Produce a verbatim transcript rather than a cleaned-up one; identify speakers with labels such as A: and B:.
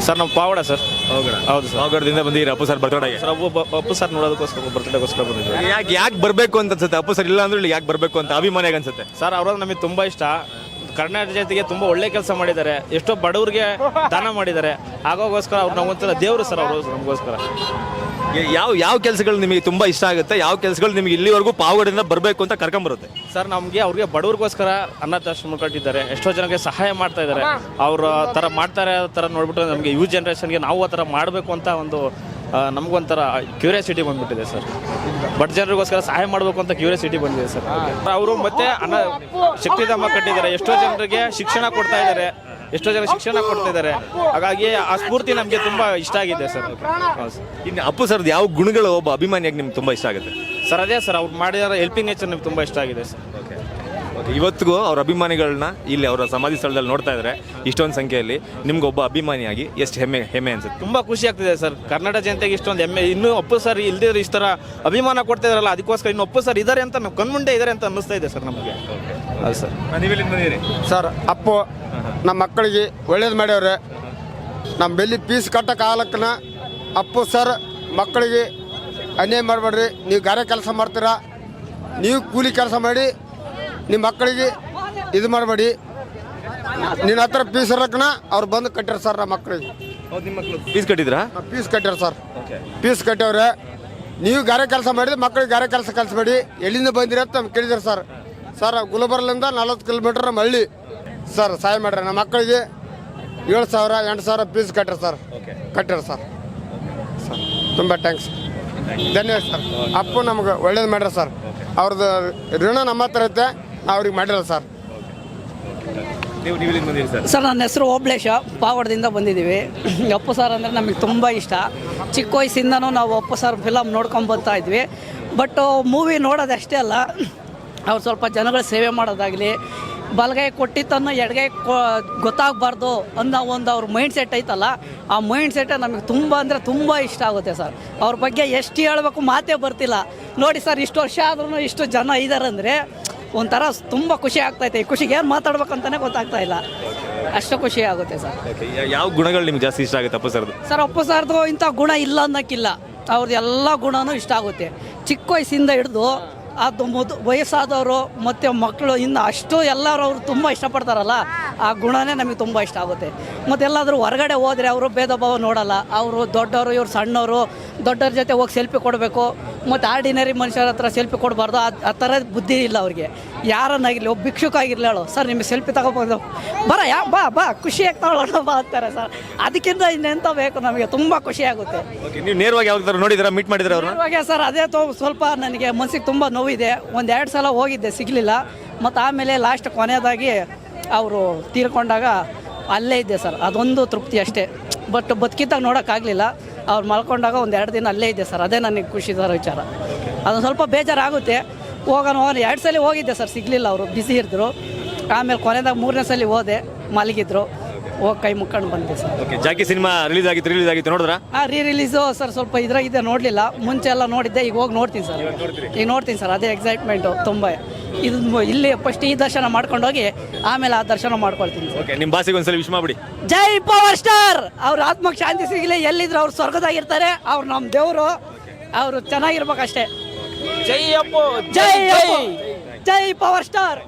A: Sir ನಮ್ಮ ಪಾವಡ sir.
B: ಹೌದು sir. ಪಾವಗಡದಿಂದ ಬಂದಿದ್ದೀರಿ ಅಪ್ಪು ಸರ್ ಬರ್ತಡೆಗೆ.
A: ಸರ್ ಅಪ್ಪು ಅಪ್ಪು ಸರ್ ನೋಡೋದಕ್ಕೋಸ್ಕರ ಬರ್ತ್ಡೇಗೋಸ್ಕರ ಬಂದಿದ್ದೀವಿ.
B: ಯಾಕೆ ಯಾಕೆ ಬರಬೇಕು ಅಂತ ಅನ್ಸುತ್ತೆ ಅಪ್ಪು ಸರ್? ಇಲ್ಲ ಅಂದ್ರೆ ಇಲ್ಲಿ ಯಾಕೆ ಬರಬೇಕು ಅಂತ ಅಭಿಮಾನಿಯಾಗಿ ಅನ್ಸುತ್ತೆ
A: ಸರ್. ಅವ್ರ ನಮಗೆ ತುಂಬ ಇಷ್ಟ. ಕರ್ನಾಟಕ ಜೊತೆಗೆ ತುಂಬ ಒಳ್ಳೆ ಕೆಲಸ ಮಾಡಿದ್ದಾರೆ. ಎಷ್ಟೋ ಬಡವ್ರಿಗೆ ದಾನ ಮಾಡಿದ್ದಾರೆ. ಆಗೋಗೋಸ್ಕರ ಅವ್ರು ನಮಗೊಂಥರ ದೇವರು ಸರ್ ಅವರು ನಮಗೋಸ್ಕರ.
B: ಯಾವ ಯಾವ ಕೆಲಸಗಳು ನಿಮಗೆ ತುಂಬಾ ಇಷ್ಟ ಆಗುತ್ತೆ? ಯಾವ ಕೆಲಸಗಳು ನಿಮಗೆ ಇಲ್ಲಿವರೆಗೂ ಪಾವಗಡದಿಂದ ಬರಬೇಕು ಅಂತ ಕರ್ಕೊಂಬರುತ್ತೆ?
A: ಸರ್ ನಮಗೆ ಅವ್ರಿಗೆ ಬಡವ್ರಿಗೋಸ್ಕರ ಅನಾಥಾಶ್ರಮ ಕಟ್ಟಿದ್ದಾರೆ. ಎಷ್ಟೋ ಜನಕ್ಕೆ ಸಹಾಯ ಮಾಡ್ತಾ ಇದ್ದಾರೆ. ಅವ್ರ ಥರ ಮಾಡ್ತಾರೆ ಥರ ನೋಡ್ಬಿಟ್ಟು ನಮಗೆ ಯೂತ್ ಜನ್ರೇಷನ್ಗೆ ನಾವು ಆ ಥರ ಮಾಡಬೇಕು ಅಂತ ಒಂದು ನಮಗೊಂಥರ ಕ್ಯೂರಿಯಾಸಿಟಿ ಬಂದ್ಬಿಟ್ಟಿದೆ ಸರ್. ಬಡ ಜನರಿಗೋಸ್ಕರ ಸಹಾಯ ಮಾಡಬೇಕು ಅಂತ ಕ್ಯೂರಿಯಾಸಿಟಿ ಬಂದಿದೆ ಸರ್. ಅವರು ಮತ್ತೆ ಅನ್ನ ಶಕ್ತಿಧಾಮ ಕಟ್ಟಿದ್ದಾರೆ. ಎಷ್ಟೋ ಜನರಿಗೆ ಶಿಕ್ಷಣ ಕೊಡ್ತಾ ಇದ್ದಾರೆ. ಎಷ್ಟೋ ಜನ ಶಿಕ್ಷಣ ಕೊಡ್ತಾ ಇದ್ದಾರೆ. ಹಾಗಾಗಿ ಆ ಸ್ಫೂರ್ತಿ ನಮಗೆ ತುಂಬಾ ಇಷ್ಟ ಆಗಿದೆ ಸರ್.
B: ಇನ್ನು ಅಪ್ಪು ಸರ್ದು ಯಾವ ಗುಣಗಳು ಒಬ್ಬ ಅಭಿಮಾನಿಯಾಗಿ ನಿಮ್ಗೆ ತುಂಬಾ ಇಷ್ಟ ಆಗುತ್ತೆ
A: ಸರ್? ಅದೇ ಸರ್, ಅವ್ರು ಮಾಡಿರೋ ಹೆಲ್ಪಿಂಗ್ ನೇಚರ್ ನಮ್ಗೆ ತುಂಬಾ ಇಷ್ಟ ಆಗಿದೆ ಸರ್.
B: ಇವತ್ತಿಗೂ ಅವ್ರ ಅಭಿಮಾನಿಗಳನ್ನ ಇಲ್ಲಿ ಅವರ ಸಮಾಧಿ ಸ್ಥಳದಲ್ಲಿ ನೋಡ್ತಾ ಇದ್ದಾರೆ ಇಷ್ಟೊಂದು ಸಂಖ್ಯೆಯಲ್ಲಿ. ನಿಮ್ಗೆ ಒಬ್ಬ ಅಭಿಮಾನಿಯಾಗಿ ಎಷ್ಟು ಹೆಮ್ಮೆ ಹೆಮ್ಮೆ ಅನ್ಸುತ್ತೆ?
A: ತುಂಬಾ ಖುಷಿ ಆಗ್ತಿದೆ ಸರ್. ಕರ್ನಾಟಕ ಜನತೆಗೆ ಇಷ್ಟೊಂದು ಹೆಮ್ಮೆ. ಇನ್ನೂ ಅಪ್ಪು ಸರ್ ಇಲ್ದಿದ್ರೆ ಇಷ್ಟ ಅಭಿಮಾನ ಕೊಡ್ತಾ ಇದಾರಲ್ಲ, ಅದಕ್ಕೋಸ್ಕರ ಇನ್ನು ಅಪ್ಪು ಸರ್ ಇದ್ದಾರೆ ಅಂತ ನಾವು ಕಣ್ಮುಂಡೆ ಇದ್ದಾರೆ ಅಂತ ಅನ್ನಿಸ್ತಾ ಇದೆ ಸರ್ ನಮಗೆ. ಹೌದು ಸರ್.
B: ನೀವೆಲ್ಲಿ ಬಂದಿದ್ದೀರಿ
C: ಸರ್? ಅಪ್ಪು ನಮ್ಮ ಮಕ್ಕಳಿಗೆ ಒಳ್ಳೇದು ಮಾಡ್ಯವ್ರೆ. ನಮ್ಮ ಬೆಲ್ಲಿ ಪೀಸ್ ಕಟ್ಟೋ ಕಾಲಕ್ಕನ ಅಪ್ಪು ಸರ್ ಮಕ್ಕಳಿಗೆ ಅನ್ಯಾಯ ಮಾಡಬೇಡ್ರಿ, ನೀವು ಗಾರೆ ಕೆಲಸ ಮಾಡ್ತೀರಾ, ನೀವು ಕೂಲಿ ಕೆಲಸ ಮಾಡಿ ನಿಮ್ಮ ಮಕ್ಕಳಿಗೆ ಇದು ಮಾಡಬೇಡಿ, ನಿನ್ನ ಹತ್ರ ಫೀಸ್ ಇರಕ್ಕನ ಅವ್ರು ಬಂದು ಕಟ್ಟಾರ ಸರ್ ನಮ್ಮ ಮಕ್ಕಳಿಗೆ.
B: ಫೀಸ್ ಕಟ್ಟಿದ್ರಾ?
C: ಫೀಸ್ ಕಟ್ಟಾರ ಸರ್. ಫೀಸ್ ಕಟ್ಟವ್ರೆ. ನೀವು ಗಾರೆ ಕೆಲಸ ಮಾಡಿದ್ರೆ ಮಕ್ಕಳಿಗೆ ಗಾರೆ ಕೆಲಸ ಕಲಿಸ್ಬೇಡಿ, ಎಲ್ಲಿಂದ ಬಂದಿರ ಅಂತ ನಮ್ಗೆ ಕೇಳಿದಾರೆ ಸರ್. ಸರ್ ಗುಲ್ಬರ್ಲಿಂದ ನಲ್ವತ್ತು ಕಿಲೋಮೀಟರ್ ನಮ್ಮ ಹಳ್ಳಿ ಸರ್. ಸಹಾಯ ಮಾಡ್ರಿ ನಮ್ಮ ಮಕ್ಕಳಿಗೆ ಏಳು ಸಾವಿರ ಎಂಟು ಸಾವಿರ ಫೀಸ್ ಕಟ್ಟಾರ ಸರ್. ಕಟ್ಟಾರ ಸರ್. ಸರ್ ತುಂಬ ಥ್ಯಾಂಕ್ಸ್, ಧನ್ಯವಾದ ಸರ್. ಅಪ್ಪು ನಮ್ಗೆ ಒಳ್ಳೇದು ಮಾಡ್ಯಾರ ಸರ್. ಅವ್ರದ್ದು ಋಣ ನಮ್ಮ ಹತ್ರ ಐತೆ, ನಾವು ಅವ್ರಿಗೆ ಮಾಡಿರಲ್ಲ ಸರ್.
B: ನೀವು ನೀವು ಬಂದಿರಿ ಸರ್?
D: ಸರ್ ನನ್ನ ಹೆಸರು ಓಬ್ಳೇಶ, ಪಾವಗಡದಿಂದ ಬಂದಿದ್ದೀವಿ. ಅಪ್ಪು ಸರ್ ಅಂದರೆ ನಮಗೆ ತುಂಬ ಇಷ್ಟ. ಚಿಕ್ಕ ವಯಸ್ಸಿಂದನೂ ನಾವು ಅಪ್ಪು ಸರ್ ಫಿಲಮ್ ನೋಡ್ಕೊಂಡು ಬರ್ತಾ ಇದ್ವಿ. ಬಟ್ ಮೂವಿ ನೋಡೋದು ಅಷ್ಟೇ ಅಲ್ಲ, ಅವ್ರು ಸ್ವಲ್ಪ ಜನಗಳ ಸೇವೆ ಮಾಡೋದಾಗಲಿ, ಬಲಗೈ ಕೊಟ್ಟಿದ್ದನ್ನು ಎಡಗೈ ಕೊ ಗೊತ್ತಾಗಬಾರ್ದು ಅನ್ನೋ ಒಂದು ಅವ್ರ ಮೈಂಡ್ ಸೆಟ್ ಐತಲ್ಲ, ಆ ಮೈಂಡ್ ಸೆಟ್ಟೇ ನಮಗೆ ತುಂಬ ಅಂದರೆ ತುಂಬ ಇಷ್ಟ ಆಗುತ್ತೆ ಸರ್. ಅವ್ರ ಬಗ್ಗೆ ಎಷ್ಟು ಹೇಳಬೇಕು ಮಾತೇ ಬರ್ತಿಲ್ಲ. ನೋಡಿ ಸರ್, ಇಷ್ಟು ವರ್ಷ ಆದ್ರೂ ಇಷ್ಟು ಜನ ಇದ್ದಾರೆ ಅಂದರೆ ಒಂಥರ ತುಂಬ ಖುಷಿ ಆಗ್ತೈತೆ. ಈ ಖುಷಿಗೆ ಏನು ಮಾತಾಡ್ಬೇಕಂತಲೇ ಗೊತ್ತಾಗ್ತಾ ಇಲ್ಲ, ಅಷ್ಟು ಖುಷಿ ಆಗುತ್ತೆ ಸರ್.
B: ಯಾವ ಗುಣಗಳು ನಿಮ್ಗೆ ಜಾಸ್ತಿ ಇಷ್ಟ ಆಗುತ್ತೆ ಅಪ್ಪು ಸರ್ದು?
D: ಸರ್ ಅಪ್ಪು ಸರ್ದು ಇಂಥ ಗುಣ ಇಲ್ಲ ಅನ್ನೋಕ್ಕಿಲ್ಲ, ಅವ್ರದ್ದು ಎಲ್ಲ ಗುಣನೂ ಇಷ್ಟ ಆಗುತ್ತೆ. ಚಿಕ್ಕ ವಯಸ್ಸಿಂದ ಹಿಡಿದು ಅದು ಮೊದ ವಯಸ್ಸಾದವರು ಮತ್ತು ಮಕ್ಕಳು ಇನ್ನು ಅಷ್ಟು ಎಲ್ಲರೂ ಅವರು ತುಂಬ ಇಷ್ಟಪಡ್ತಾರಲ್ಲ, ಆ ಗುಣನೇ ನಮಗೆ ತುಂಬ ಇಷ್ಟ ಆಗುತ್ತೆ. ಮತ್ತು ಎಲ್ಲಾದರೂ ಹೊರಗಡೆ ಹೋದರೆ ಅವರು ಭೇದ ಭಾವ ನೋಡಲ್ಲ. ಅವರು ದೊಡ್ಡವರು, ಇವ್ರು ಸಣ್ಣವರು, ದೊಡ್ಡವ್ರ ಜೊತೆ ಹೋಗಿ ಸೆಲ್ಫಿ ಕೊಡಬೇಕು, ಮತ್ತು ಆರ್ಡಿನರಿ ಮನುಷ್ಯರ ಹತ್ರ ಸೆಲ್ಫಿ ಕೊಡಬಾರ್ದು. ಆ ಆ ಥರದ ಬುದ್ಧಿ ಇಲ್ಲ ಅವ್ರಿಗೆ. ಯಾರನ್ನಾಗಿರಲಿ, ಒಬ್ಬ ಭಿಕ್ಷುಕ ಆಗಿರಲಿ, ಹೇಳು ಸರ್ ನಿಮಗೆ ಸೆಲ್ಫಿ ತಗೋಬೋದು, ಬರ ಯಾ ಬಾ ಬಾ ಖುಷಿಯಾಗಿ ತಗೊಳ್ಳೋಣ ಬಾ ಅಂತಾರೆ ಸರ್. ಅದಕ್ಕಿಂತ ಇನ್ನೆಂತ ಬೇಕು, ನಮಗೆ ತುಂಬ ಖುಷಿಯಾಗುತ್ತೆ.
B: ನೀವು ನೇರವಾಗಿ ಯಾವಾಗ ನೋಡಿದ್ರೆ ಮೀಟ್ ಮಾಡಿದ್ರೆ ಅವ್ರನ್ನ?
D: ನೇರವಾಗಿ ಸರ್, ಅದೇ ತೋ ಸ್ವಲ್ಪ ನನಗೆ ಮನಸ್ಸಿಗೆ ತುಂಬ ನೋವಿದೆ. ಒಂದು ಎರಡು ಸಲ ಹೋಗಿದ್ದೆ, ಸಿಗಲಿಲ್ಲ. ಮತ್ತು ಆಮೇಲೆ ಲಾಸ್ಟ್ ಕೊನೆಯದಾಗಿ ಅವರು ತೀರ್ಕೊಂಡಾಗ ಅಲ್ಲೇ ಇದ್ದೆ ಸರ್. ಅದೊಂದು ತೃಪ್ತಿ ಅಷ್ಟೇ. ಬಟ್ ಬದುಕಿದ್ದಾಗ ನೋಡೋಕ್ಕಾಗಲಿಲ್ಲ. ಅವ್ರು ಮಲ್ಕೊಂಡಾಗ ಒಂದು ಎರಡು ದಿನ ಅಲ್ಲೇ ಇದ್ದೆ ಸರ್. ಅದೇ ನನಗೆ ಖುಷಿ ಸರ್ ವಿಚಾರ. ಅದೊಂದು ಸ್ವಲ್ಪ ಬೇಜಾರಾಗುತ್ತೆ. ಹೋಗೋಣ ಹೋಗೋಣ ಎರಡು ಸಲ ಹೋಗಿದ್ದೆ ಸರ್, ಸಿಗಲಿಲ್ಲ, ಅವರು ಬ್ಯುಸಿ ಇದ್ದರು. ಆಮೇಲೆ ಕೊನೆದಾಗ ಮೂರನೇ ಸಲ ಹೋದೆ, ಮಲಗಿದ್ರು, ಹೋಗಿ ಕೈ ಮುಕ್ಕೊಂಡು ಬಂದೆ ಸರ್.
B: ಜಾಕಿ ಸಿನಿಮಾ ರಿಲೀಸ್ ಆಗಿತ್ತು ರಿಲೀಸ್ ಆಗಿತ್ತು ನೋಡಿದ್ರಾ?
D: ಹಾಂ, ರೀ ರಿಲೀಸು ಸರ್ ಸ್ವಲ್ಪ ಇದ್ರಾಗಿದೆ, ನೋಡಲಿಲ್ಲ. ಮುಂಚೆ ಎಲ್ಲ ನೋಡಿದ್ದೆ, ಈಗ ಹೋಗಿ ನೋಡ್ತೀನಿ ಸರ್. ಈಗ ನೋಡ್ತೀನಿ ಸರ್, ಅದೇ ಎಕ್ಸೈಟ್ಮೆಂಟು ತುಂಬ. ಇದು ಇಲ್ಲಿ ಫಸ್ಟ್ ಈ ದರ್ಶನ ಮಾಡ್ಕೊಂಡೋಗಿ ಆಮೇಲೆ ಆ ದರ್ಶನ ಮಾಡ್ಕೊಳ್ತೀನಿ ಸರ್.
B: ನಿಮ್ಮ ಬಾಸಿಗೆ ಒಂದ್ಸಲ ವಿಶ್ ಮಾಡ್ಬಿಡಿ.
D: ಜೈ ಪವರ್ ಸ್ಟಾರ್. ಅವ್ರ ಆತ್ಮಕ್ಕೆ ಶಾಂತಿ ಸಿಗಲಿ, ಎಲ್ಲಿದ್ರು ಅವ್ರು ಸ್ವರ್ಗದಾಗಿರ್ತಾರೆ. ಅವ್ರು ನಮ್ಮ ದೇವರು, ಅವರು ಚೆನ್ನಾಗಿರ್ಬೇಕಷ್ಟೇ.
A: ಜೈ ಅಪ್ಪು,
D: ಜೈ ಜೈ ಜೈ ಪವರ್ ಸ್ಟಾರ್.